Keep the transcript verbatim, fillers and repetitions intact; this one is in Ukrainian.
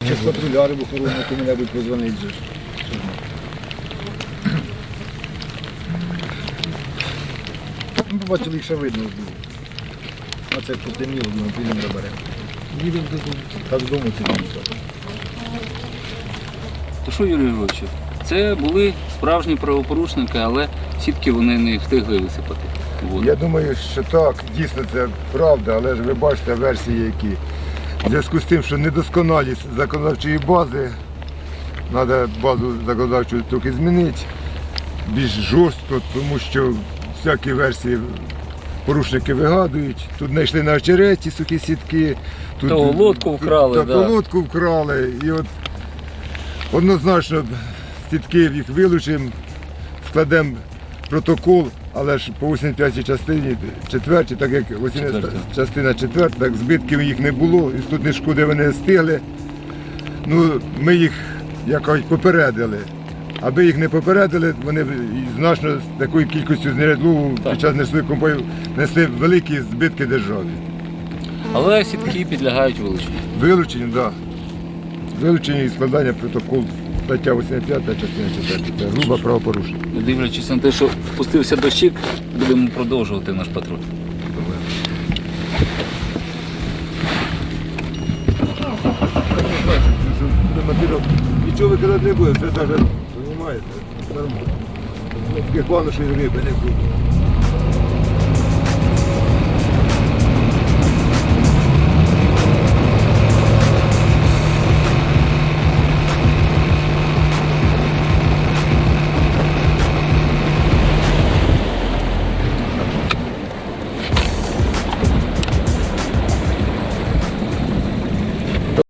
Чи з патрулярів охорони кому-небудь позвонить же. Ну, побачили, їх ще видно було. А це потемніло, думаю, підемо заберемо. Їдемо додому. Та додому це не все. То що, Юрій Григорович, це були справжні правопорушники, але сітки вони не встигли висипати. воду. Я думаю, що так, дійсно це правда, але ж ви бачите версії, які. В зв'язку з тим, що недосконалість законодавчої бази, треба базу законодавчу трохи змінити, більш жорстко, тому що всякі версії порушники вигадують. Тут знайшли на очереті сухі сітки, тут То лодку вкрали, тут, да. то лодку вкрали. І от однозначно сітки їх вилучимо, складемо протокол, але ж по вісімдесят п'ятій частині, четвертій, так як вісімдесята частина четверта, так збитків їх не було, і тут не шкоди вони стигли. Ну, ми їх якось попередили. Аби їх не попередили, вони б значно з такою кількістю знарядь лову під час несливих конвоїв несли великі збитки державі. Але сітки підлягають вилученню. Вилучені, так. Да. Вилучені і складання протоколу. Стаття вісімдесят п'ята, частина четверта. Це грубе правопорушення. Дивлячись на те, що впустився дощик, будемо продовжувати наш патруль. Нічого викидати не буде, це навіть, розумієте, нормально. Таке плану, що й риби не буде.